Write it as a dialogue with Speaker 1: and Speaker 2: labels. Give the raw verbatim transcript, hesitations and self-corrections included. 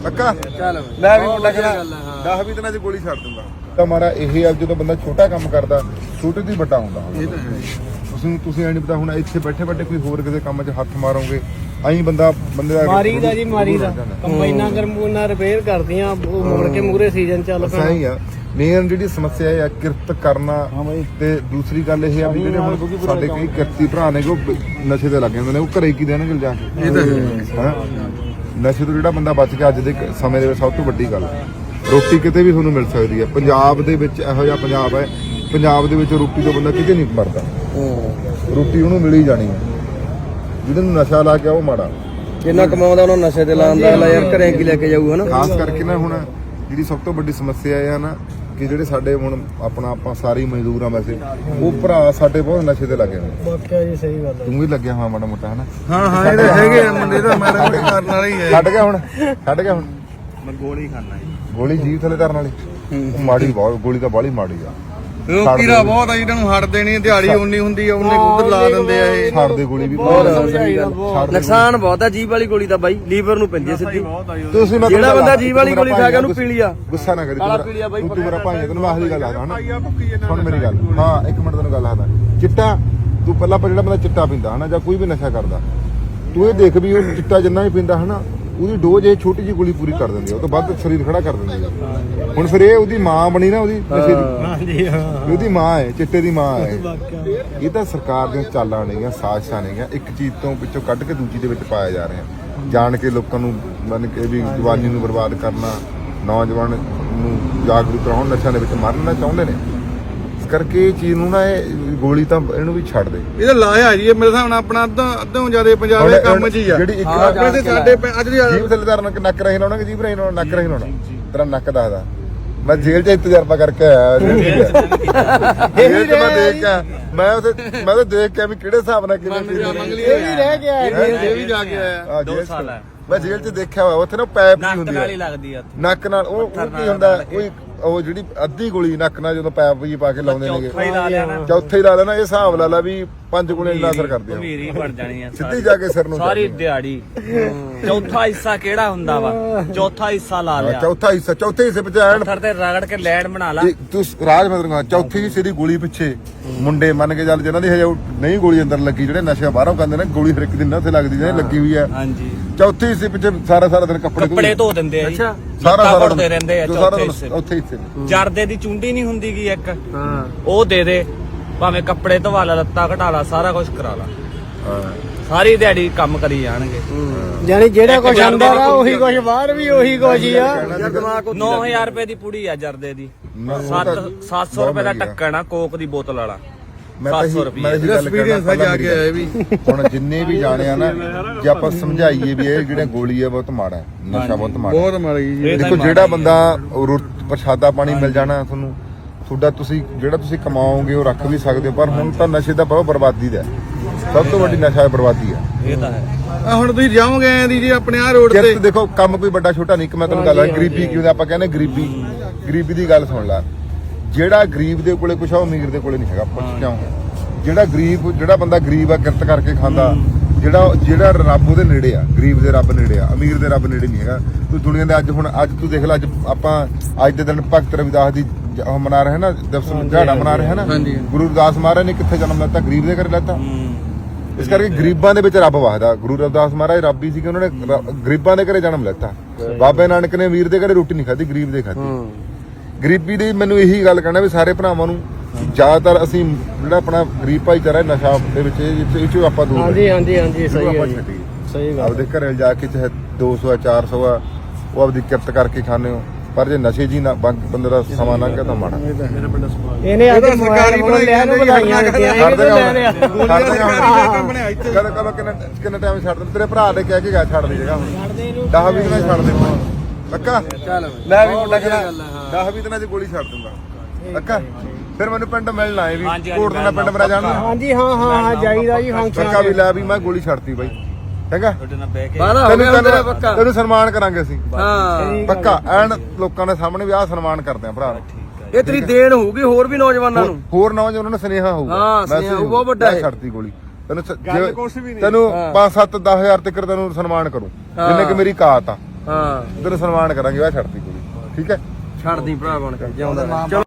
Speaker 1: ਪੱਕਾ ਚੱਲ ਲੈ ਵੀ ਮੁੰਡਾ ਕਹਿੰਦਾ ਦਸ ਵੀਹ ਦਿਨਾਂ 'ਚ ਗੋਲੀ ਛੱਡ ਦੂੰਗਾ। ਤਾਂ ਮਾਰਾ ਇਹ ਆ ਜਦੋਂ ਬੰਦਾ ਛੋਟਾ ਕੰਮ ਕਰਦਾ ਛੋਟੇ ਤੋਂ ਹੀ ਵੱਡਾ ਹੁੰਦਾ। ਇਹ ਤਾਂ ਹੈ। ਤੁਸੀਂ ਤੁਸੀਂ ਐ ਨਹੀਂ ਪਤਾ ਹੁਣ ਇੱਥੇ ਬੈਠੇ ਬੈਠੇ ਕੋਈ ਹੋਰ ਕਿਸੇ ਕੰਮ 'ਚ ਹੱਥ ਮਾਰੋਗੇ ਐਂ ਬੰਦਾ ਬੰਦੇ ਦਾ
Speaker 2: ਮਾਰੀ ਦਾ ਜੀ ਮਾਰੀ ਦਾ ਕੰਬਾਈਨਾਂ ਗਰਮੂਨਾ ਰਿਪੇਅਰ ਕਰਦੀਆਂ ਉਹ ਮੁੜ ਕੇ ਮੂਰੇ ਸੀਜ਼ਨ ਚੱਲ ਪਿਆ।
Speaker 1: ਸਹੀ ਆ। ਮੇਨ ਜਿਹੜੀ ਸਮੱਸਿਆ ਹੈ ਕਿਰਤ ਕਰਨਾ ਤੇ ਦੂਸਰੀ ਗੱਲ ਇਹ ਆ ਵੀ ਜਿਹੜੇ ਹੁਣ ਸਾਡੇ ਕਈ ਕਿਰਤੀ ਭਰਾ ਨੇ ਉਹ ਨਸ਼ੇ ਤੇ ਲੱਗ ਜਾਂਦੇ ਨੇ ਉਹ ਘਰੇ ਕੀ ਦੇਣਗੇ ਜਾ ਕੇ। ਇਹ ਤਾਂ ਹੈ। ਨਸ਼ੇ ਤੋਂ ਜਿਹੜਾ ਬੰਦਾ ਬਚ ਗਿਆ ਅੱਜ ਦੇ ਸਮੇਂ ਦੇ ਵਿੱਚ ਸਭ ਤੋਂ ਵੱਡੀ ਗੱਲ ਰੋਟੀ ਕਿਤੇ ਵੀ ਤੁਹਾਨੂੰ ਮਿਲ ਸਕਦੀ ਹੈ। ਪੰਜਾਬ ਦੇ ਵਿੱਚ ਇਹੋ ਜਿਹਾ ਪੰਜਾਬ ਹੈ ਪੰਜਾਬ ਦੇ ਵਿੱਚ ਰੋਟੀ ਤੋਂ ਬੰਦਾ ਕਿਤੇ ਨਹੀਂ ਮਰਦਾ। ਰੋਟੀ ਉਹਨੂੰ ਮਿਲ ਹੀ ਜਾਣੀ ਹੈ। ਜਿਹਦੇ ਨੂੰ ਨਸ਼ਾ ਲਾ ਕੇ ਉਹ ਮਾੜਾ
Speaker 2: ਜਿੰਨਾ ਕਮਾਉਂਦਾ ਉਹਨੂੰ ਨਸ਼ੇ ਤੇ ਲਾਉਂਦਾ ਯਾਰ ਘਰੇ ਕੀ ਲੈ ਕੇ ਜਾਊ ਹਨਾ।
Speaker 1: ਖਾਸ ਕਰਕੇ ਨਾ ਹੁਣ ਜਿਹੜੀ ਸਭ ਤੋਂ ਵੱਡੀ ਸਮੱਸਿਆ ਇਹ ਆ ਨਾ ਕਿ ਜਿਹੜੇ ਸਾਡੇ ਹੁਣ ਆਪਣਾ ਆਪਾਂ ਸਾਰੇ ਮਜ਼ਦੂਰ ਆ ਵੈਸੇ ਉਹ ਭਰਾ ਸਾਡੇ ਬਹੁਤ ਨਸ਼ੇ ਤੇ ਲੱਗੇ ਨੇ।
Speaker 2: ਵਾਕਿਆ ਜੀ ਸਹੀ ਗੱਲ ਹੈ।
Speaker 1: ਤੂੰ ਵੀ ਲੱਗਿਆ ਹਾਂ ਮਾੜਾ ਮੋਟਾ ਹਨਾ।
Speaker 3: ਹਾਂ ਹਾਂ ਇਹਦੇ ਹੈਗੇ ਮੁੰਡੇ ਤਾਂ ਮਾੜਾ ਮੋਟਾ ਕਰਨ ਵਾਲਾ ਹੀ ਹੈ।
Speaker 1: ਛੱਡ ਗਿਆ ਹੁਣ ਛੱਡ ਗਿਆ ਹੁਣ
Speaker 3: ਮੈਂ ਗੋਲੀ ਖਾਣਾ ਜੀ।
Speaker 1: ਗੋਲੀ ਜੀਭ ਥੱਲੇ ਧਰਨ ਵਾਲੀ ਉਹ ਮਾੜੀ ਬਹੁਤ ਗੋਲੀ ਤਾਂ ਬਾਹਲੀ ਮਾੜੀ ਆ।
Speaker 3: ਉਹ ਕੀੜਾ ਬਹੁਤ ਆ ਇਹਨਾਂ ਨੂੰ ਹਟਦੇ ਨਹੀਂ ਦਿਹਾੜੀ ਉਨੀ ਹੁੰਦੀ ਆ ਉਹਨੇ ਉਧਰ ਲਾ ਦਿੰਦੇ ਆ ਇਹ।
Speaker 1: ਛੱਡ ਦੇ ਗੋਲੀ ਵੀ ਬਹੁਤ
Speaker 2: ਨੁਕਸਾਨ ਬਹੁਤ ਆ ਜੀਭ ਵਾਲੀ ਗੋਲੀ ਤਾਂ ਬਾਈ ਲੀਵਰ ਨੂੰ ਪੈਂਦੀ ਸਿੱਧੀ।
Speaker 1: ਤੁਸੀਂ
Speaker 2: ਜਿਹੜਾ ਬੰਦਾ ਜੀਭ ਵਾਲੀ ਗੋਲੀ ਖਾ ਗਿਆ ਉਹਨੂੰ ਪੀ ਲਿਆ।
Speaker 1: ਗੁੱਸਾ ਨਾ ਕਰੀ ਤੂੰ ਤੂੰ ਮੇਰਾ ਭਾਈ ਤੈਨੂੰ ਮੈਂ ਆਖਰੀ ਗੱਲ ਆਦਾ ਹਨਾ। ਸੁਣ ਮੇਰੀ ਗੱਲ ਹਾਂ ਇੱਕ ਮਿੰਟ ਤੈਨੂੰ ਗੱਲ ਆਦਾ ਚਿੱਟਾ ਤੂੰ ਪਹਿਲਾਂ ਜਿਹੜਾ ਬੰਦਾ ਚਿੱਟਾ ਪੀਂਦਾ ਹਨਾ ਜਾਂ ਕੋਈ ਵੀ ਨਸ਼ਾ ਕਰਦਾ ਤੂੰ ਇਹ ਦੇਖ ਵੀ ਉਹ ਚਿੱਟਾ ਜਿੰਨਾ ਵੀ ਪੀਂਦਾ ਹਨਾ ਉਹਦੀ ਡੋਜ਼ ਇਹ ਛੋਟੀ ਜਿਹੀ ਗੋਲੀ ਪੂਰੀ ਕਰ ਦਿੰਦੀ ਆ ਉਹ ਤੋਂ ਵੱਧ ਸਰੀਰ ਖੜਾ ਕਰ ਦਿੰਦੀ ਆ। ਹੁਣ ਫਿਰ ਇਹ ਉਹਦੀ ਮਾਂ ਬਣੀ ਨਾ ਉਹਦੀ ਨਸ਼ੇ ਦੀ ਉਹਦੀ ਮਾਂ ਹੈ ਚਿੱਟੇ ਦੀ ਮਾਂ ਹੈ। ਇਹ ਤਾਂ ਸਰਕਾਰ ਦੀਆਂ ਚਾਲਾਂ ਨੇਗੀਆਂ ਸਾਜ਼ਿਸ਼ਾਂ ਨੇਗੀਆਂ ਇੱਕ ਚੀਜ਼ ਤੋਂ ਵਿੱਚੋਂ ਕੱਢ ਕੇ ਦੂਜੀ ਦੇ ਵਿੱਚ ਪਾਇਆ ਜਾ ਰਿਹਾ ਜਾਣ ਕੇ ਲੋਕਾਂ ਨੂੰ ਮੰਨ ਕੇ ਵੀ ਜਵਾਨੀ ਨੂੰ ਬਰਬਾਦ ਕਰਨਾ ਨੌਜਵਾਨ ਨੂੰ ਜਾਗਰੂਕ ਕਰਾਉਣ ਨਸ਼ਿਆਂ ਦੇ ਵਿੱਚ ਮਾਰਨਾ ਚਾਹੁੰਦੇ ਨੇ। ਇਸ ਕਰਕੇ ਇਹ ਚੀਜ਼ ਨੂੰ ਨਾ ਇਹ ਗੋਲੀ ਤਾਂ ਇਹਨੂੰ ਵੀ ਛੱਡ ਦੇ।
Speaker 3: ਇਹਦਾ ਲਾਇਆ ਜੀ ਮੇਰੇ ਹਿਸਾਬ ਨਾਲ ਆਪਣਾ ਅੱਧਾ ਅੱਧੋਂ ਜ਼ਿਆਦਾ ਪੰਜਾਬ ਦੇ ਕੰਮ 'ਚ ਹੀ ਆ।
Speaker 1: ਜਿਹੜੀ ਇੱਕ
Speaker 3: ਵੈਸੇ ਸਾਡੇ ਅੱਜ ਦੀ
Speaker 1: ਜੀਭ ਥੱਲੇ ਧਰਨ ਕਿ ਨੱਕ ਰਹੀ ਲਾਉਣਾ ਕਿ ਜੀਭ ਰਹੀ ਲਾਉਣਾ ਨੱਕ ਰਹੀ ਲਾਉਣਾ ਤੇਰਾ ਨੱਕ ਦੱਸਦਾ। ਮੈਂ ਜੇਲ੍ਹ 'ਚ ਤਜਰਬਾ ਕਰਕੇ ਆਇਆ ਜੇਲ੍ਹ 'ਚ ਮੈਂ ਦੇਖ ਕੇ ਮੈਂ ਉਹਦੇ ਮੈਂ ਤਾਂ ਦੇਖ ਕੇ ਵੀ ਕਿਹੜੇ ਹਿਸਾਬ ਨਾਲ ਕਿਵੇਂ
Speaker 3: ਮੰਗਲੀ
Speaker 2: ਇਹ ਵੀ ਰਹਿ ਗਿਆ
Speaker 3: ਇਹ ਵੀ ਜਾ ਕੇ ਆਇਆ।
Speaker 1: ਦੋ ਸਾਲ ਮੈਂ ਜੇਲ੍ਹ 'ਚ ਦੇਖਿਆ ਹੋਇਆ ਉੱਥੇ ਨਾ ਪੈਪ ਜੀ ਹੁੰਦੀ ਹੈ ਨੱਕ ਨਾਲ ਉਹ ਕੀ ਹੁੰਦਾ ਕੋਈ ਉਹ ਜਿਹੜੀ ਅੱਧੀ ਗੋਲੀ ਨੱਕ ਨਾਲ ਜਦੋਂ ਪੈਪ ਜੀ ਪਾ ਕੇ ਲਾਉਂਦੇ ਨੇਗੇ ਚੌਥੇ ਹੀ ਲਾ ਲੈਣਾ ਇਹ ਹਿਸਾਬ ਲਾ ਲਾ ਵੀ ਪੰਜ ਗੁਣੇ ਇੰਨਾ ਅਸਰ ਕਰਦੇ ਆ
Speaker 4: ਮੇਰੀ ਬਣ ਜਾਣੀ ਆ
Speaker 1: ਸਿੱਧੀ ਜਾ ਕੇ ਸਿਰ ਨੂੰ
Speaker 4: ਸਾਰੀ ਦਿਹਾੜੀ। ਚੌਥਾ ਹਿੱਸਾ ਕਿਹੜਾ ਹੁੰਦਾ ਵਾ ਚੌਥਾ ਹਿੱਸਾ ਲਾ ਲਿਆ
Speaker 1: ਚੌਥਾ ਹਿੱਸਾ ਚੌਥੇ ਹਿੱਸੇ ਵਿੱਚ ਐਨ
Speaker 4: ਪੱਥਰ ਤੇ ਰਗੜ ਕੇ ਲੈਣ ਬਣਾ ਲਾ।
Speaker 1: ਤੂੰ ਰਾਜ ਮਤਲਬ ਚੌਥੀ ਹਿੱਸੇ ਦੀ ਗੋਲੀ ਪਿੱਛੇ ਮੁੰਡੇ ਮੰਨ ਕੇ ਚੱਲ ਜਿਹਨਾਂ ਦੀ ਹਜੇ ਨਹੀਂ ਗੋਲੀ ਅੰਦਰ ਲੱਗੀ ਜਿਹੜੇ ਨਸ਼ਾ ਬਾਹਰੋਂ ਕਰਦੇ ਨੇ ਗੋਲੀ ਹਰ ਇੱਕ ਦਿਨ ਉੱਥੇ ਲੱਗਦੀ ਜਿਹੜੀ ਲੱਗੀ ਹੋਈ ਹੈ।
Speaker 4: ਹਾਂਜੀ
Speaker 1: ਚੌਥੀ ਹਿੱਸੇ ਪਿੱਛੇ ਸਾਰਾ ਸਾਰਾ ਦਿਨ ਕੱਪੜੇ
Speaker 4: ਕੱਪੜੇ ਧੋ ਦਿੰਦੇ ਆ ਜੀ।
Speaker 1: ਸਾਰਾ ਸਾਰਾ
Speaker 4: ਧੋਦੇ ਰਹਿੰਦੇ ਆ ਚੌਥੇ ਹਿੱਸੇ
Speaker 1: ਉੱਥੇ ਹਿੱਸੇ
Speaker 4: ਜਰਦੇ ਦੀ ਚੁੰਡੀ ਨਹੀਂ ਹੁੰਦੀ ਗੀ ਇੱਕ ਉਹ ਦੇ ਦੇ ਭਾਵੇਂ ਕੱਪੜੇ ਧਵਾ ਲਾ ਲੱਤਾਂ ਘਟਾ ਲਾ ਸਾਰਾ ਕੁਝ ਕਰਾ ਲਾ ਸਾਰੀ ਦਿਹਾੜੀ ਕੰਮ ਕਰੀ ਜਾਣਗੇ।
Speaker 2: ਯਾਨੀ ਜਿਹੜਾ ਕੁਝ ਅੰਦਰ ਆ ਉਹੀ ਕੁਝ ਬਾਹਰ ਵੀ ਉਹੀ ਕੁਝ ਹੀ ਆ।
Speaker 4: ਨੌ ਹਜ਼ਾਰ ਰੁਪਏ ਦੀ ਪੁੜੀ ਆ ਜਰਦੇ ਦੀ ਸੱਤ ਸੌ ਰੁਪਏ ਦਾ ਢੱਕਣ ਆ ਕੋਕ ਦੀ ਬੋਤਲ ਵਾਲਾ ਸੱਤ ਸੌ ਰੁਪਏ
Speaker 3: ਐਕਸਪੀਰੀਅੰਸ ਆ ਜਾ ਕੇ ਆਇਆ ਵੀ।
Speaker 1: ਹੁਣ ਜਿੰਨੇ ਵੀ ਜਾਣੇ ਆ ਨਾ ਜੇ ਆਪਾਂ ਸਮਝਾਈਏ ਵੀ ਇਹ ਜਿਹੜੇ ਗੋਲੀ ਆ ਬਹੁਤ ਮਾੜਾ ਨਸ਼ਾ ਬਹੁਤ ਮਾੜਾ
Speaker 3: ਬਹੁਤ ਮਾੜੀ ਜੀ।
Speaker 1: ਦੇਖੋ ਜਿਹੜਾ ਬੰਦਾ ਪ੍ਰਸ਼ਾਦਾ ਪਾਣੀ ਮਿਲ ਜਾਣਾ ਤੁਹਾਨੂੰ ਤੁਹਾਡਾ ਤੁਸੀਂ ਜਿਹੜਾ ਤੁਸੀਂ ਕਮਾਓਗੇ ਉਹ ਰੱਖ ਵੀ ਸਕਦੇ ਹੋ ਪਰ ਹੁਣ ਤਾਂ ਨਸ਼ੇ ਦਾ ਬਹੁਤ ਬਰਬਾਦੀ ਦਾ ਸਭ ਤੋਂ ਵੱਡੀ ਨਸ਼ਾ ਬਰਬਾਦੀ ਆ।
Speaker 4: ਇਹ ਤਾਂ ਹੈ।
Speaker 3: ਆ ਹੁਣ ਤੁਸੀਂ ਜਾਓਗੇ ਐ ਦੀ ਜੀ ਆਪਣੇ ਆ ਰੋਡ ਤੇ
Speaker 1: ਦੇਖੋ ਕੰਮ ਕੋਈ ਵੱਡਾ ਛੋਟਾ ਨਹੀਂ ਇੱਕ ਮੈਂ ਤੁਹਾਨੂੰ ਗੱਲ ਆ ਗਰੀਬੀ ਕਿਉਂ ਆਪਾਂ ਕਹਿੰਦੇ ਗਰੀਬੀ ਗਰੀਬੀ ਦੀ ਗੱਲ ਸੁਣ ਲੈ ਜਿਹੜਾ ਗਰੀਬ ਦੇ ਕੋਲੇ ਕੁਛ ਆ ਉਹ ਅਮੀਰ ਦੇ ਕੋਲੇ ਨਹੀਂ ਹੈਗਾ। ਪੁੱਛ ਕਿਉਂ ਜਿਹੜਾ ਗਰੀਬ ਜਿਹੜਾ ਬੰਦਾ ਗਰੀਬ ਆ ਕਿਰਤ ਕਰਕੇ ਖਾਂਦਾ ਜਿਹੜਾ ਜਿਹੜਾ ਰੱਬ ਉਹਦੇ ਨੇੜੇ ਆ ਗਰੀਬ ਦੇ ਰੱਬ ਨੇੜੇ ਆ ਅਮੀਰ ਦੇ ਰੱਬ ਨੇੜੇ ਨਹੀਂ ਹੈਗਾ। ਤੂੰ ਦੁਨੀਆ ਦੇ ਅੱਜ ਹੁਣ ਅੱਜ ਤੂੰ ਦੇਖ ਲੈ ਅੱਜ ਆਪਾਂ ਅੱਜ ਦੇ ਦਿਨ ਭਗਤ ਰਵਿਦਾਸ ਦੀ ਉਹ ਮਨਾ ਰਹੇ ਨਾ ਦਿਵਸ ਦਿਹਾੜਾ ਮਨਾ ਰਹੇ ਨਾ ਗੁਰੂ ਰਵਿਦਾਸ ਮਹਾਰਾਜ ਨੇ ਕਿੱਥੇ ਜਨਮ ਲੈਤਾ ਗਰੀਬ ਦੇ ਘਰੇ ਲੈਤਾ। ਇਸ ਕਰਕੇ ਗਰੀਬਾਂ ਦੇ ਵਿੱਚ ਰੱਬ ਵਸਦਾ। ਗੁਰੂ ਰਵਿਦਾਸ ਮਹਾਰਾਜ ਰੱਬ ਹੀ ਸੀ ਕਿ ਉਹਨਾਂ ਨੇ ਗਰੀਬਾਂ ਦੇ ਘਰੇ ਜਨਮ ਲੈਤਾ। ਬਾਬੇ ਨਾਨਕ ਨੇ ਅਮੀਰ ਦੇ ਘਰੇ ਰੋਟੀ ਨਹੀਂ ਖਾਧੀ ਗਰੀਬ ਦੇ ਖਾਧੀ। ਗਰੀਬੀ ਦੀ ਮੈਨੂੰ ਇਹੀ ਗੱਲ ਕਹਿਣਾ ਵੀ ਸਾਰੇ ਭਰਾਵਾਂ ਨੂੰ ਜ਼ਿਆਦਾਤਰ ਅਸੀਂ ਜਿਹੜਾ ਆਪਣਾ ਗਰੀਬ ਭਾਈਚਾਰਾ ਨਸ਼ਾ ਦੇ ਵਿੱਚ ਇਹ ਚੋਂ ਆਪਾਂ ਦੂਰ
Speaker 2: ਹਾਂਜੀ ਹਾਂਜੀ ਹਾਂਜੀ ਸਹੀ ਹੈ ਸਹੀ ਗੱਲ।
Speaker 1: ਆਪਦੇ ਘਰੇ ਜਾ ਕੇ ਚਾਹੇ ਦੋ ਸੌ ਆ ਚਾਰ ਸੌ ਆ ਉਹ ਆਪਦੀ ਕਿਰਤ ਕਰਕੇ ਖਾਂਦੇ ਹੋ ਪਰ ਜੇ ਨਸ਼ੇ ਜੀ ਨਾ ਬੰਦੇ ਦਾ ਸਮਾਂ ਲੰਘ ਗਿਆ ਤਾਂ ਮਾੜਾ।
Speaker 2: ਇਹਨੇ ਅੱਜ ਸਰਕਾਰੀ ਬਣਾਈਆਂ ਨੂੰ ਵਧਾਈਆਂ ਦਿੱਤੀਆਂ ਇਹ ਤਾਂ ਲੈ ਰਿਹਾ
Speaker 1: ਕਦ ਕਦ ਕਿੰਨਾ ਕਿੰਨਾ ਟਾਈਮ ਛੱਡ ਦੇ ਤੇਰੇ ਭਰਾ ਨੇ ਕਹਿ ਕੇ ਗਿਆ ਛੱਡ ਦੀ ਜਗ੍ਹਾ ਦਸ ਵੀਹ ਦਿਨਾਂ ਛੱਡ ਦੇ ਪੱਕਾ ਲੈ ਵੀ ਮੁੰਡਾ ਕਹਿੰਦਾ ਦਸ ਵੀਹ ਦਿਨਾਂ 'ਚ ਗੋਲੀ ਛੱਡ ਦੂੰਗਾ ਪੱਕਾ। ਫਿਰ ਮੈਨੂੰ ਪਿੰਡ ਮਿਲਣਾ ਹੈ ਵੀ ਕੋਟ ਦਾ ਪਿੰਡ ਮੇਰਾ ਜਾਣਾ।
Speaker 2: ਹਾਂਜੀ ਹਾਂ ਹਾਂ ਹਾਂ ਜਾਈਦਾ ਜੀ ਫੰਕਸ਼ਨ
Speaker 1: ਪੱਕਾ ਵੀ ਲੈ ਵੀ ਮੈਂ ਗੋਲੀ ਛੱਡਤੀ ਬਾਈ ਹੈਗਾ
Speaker 2: ਪੱਕਾ
Speaker 1: ਤੈਨੂੰ ਸਨਮਾਨ ਕਰਾਂਗੇ ਅਸੀਂ
Speaker 2: ਹਾਂ
Speaker 1: ਪੱਕਾ ਐਨ ਲੋਕਾਂ ਦੇ ਸਾਹਮਣੇ ਵੀ ਆਹ ਸਨਮਾਨ ਕਰਦੇ ਆ ਭਰਾ।
Speaker 2: ਇਹ ਤੇਰੀ ਦੇਣ ਹੋਊਗੀ ਹੋਰ ਵੀ ਨੌਜਵਾਨਾਂ ਨੂੰ
Speaker 1: ਹੋਰ ਨੌਜਵਾਨਾਂ ਨੂੰ ਸੁਨੇਹਾ ਹੋਊਗਾ।
Speaker 2: ਹਾਂ ਸੁਨੇਹਾ ਬਹੁਤ ਵੱਡਾ ਹੈ।
Speaker 1: ਛੱਡਤੀ ਗੋਲੀ ਤੈਨੂੰ ਤੈਨੂੰ ਪੰਜ ਸੱਤ ਦਸ ਹਜ਼ਾਰ ਤੱਕ ਤੈਨੂੰ ਸਨਮਾਨ ਕਰੂੰ ਜਿੰਨੇ ਕਿ ਮੇਰੀ ਕਾਤ ਆ
Speaker 5: ਹਾਂ
Speaker 1: ਤੇਰੇ ਸਨਮਾਨ ਕਰਾਂਗੇ, ਆ ਛੱਡਤੀ ਕੁੜੀ, ਠੀਕ ਹੈ।
Speaker 5: ਛੱਡਦੀ ਭਰਾ ਬਣ ਕੇ ਜਿਉਂਦਾ ਰਹਿ। ਚਲੋ